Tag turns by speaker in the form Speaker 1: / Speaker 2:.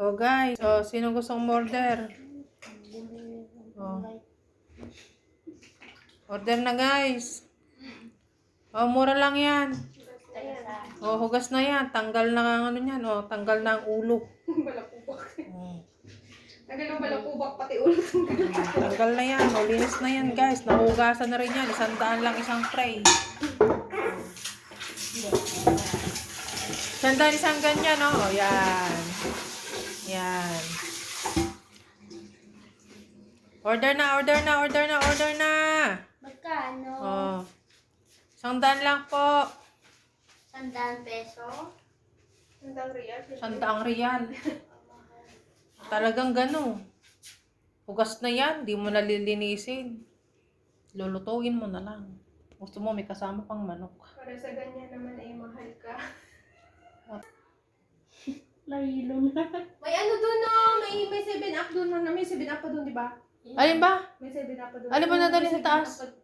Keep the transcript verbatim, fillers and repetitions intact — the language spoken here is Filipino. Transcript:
Speaker 1: Oh guys, oh, sino gustong order? Oh. Order na guys. Oh, mura lang yan. Oh, hugas na yan. Tanggal na ang ano niyan. Oh, tanggal na ang ulo.
Speaker 2: Balakubak.
Speaker 1: Oh.
Speaker 2: Tagal ng balakubak, pati ulo.
Speaker 1: Tanggal na yan. Oh, linis na yan guys. Nahugasan na rin yan. Isang daan lang isang tray. Isang daan isang ganyan. Oh, yan. Yan. Order na, order na, order na, order na.
Speaker 3: Magkano?
Speaker 1: Oh. Isang daan lang po.
Speaker 3: Sandaan peso?
Speaker 2: Sandang real.
Speaker 1: Sandaang riyal. Talagang gano. Hugas na yan. Di mo nalilinisin. Lulutuin mo na lang. Gusto mo may kasama pang manok.
Speaker 2: Para sa ganyan naman ay mahal ka.
Speaker 3: Lahilo na.
Speaker 2: May ano doon no? May, may seven up doon. May seven up pa doon, di ba?
Speaker 1: Alin ba?
Speaker 2: May seven up pa doon.
Speaker 1: Alin ba nadali sa
Speaker 2: May seven
Speaker 1: taas?
Speaker 2: up pa-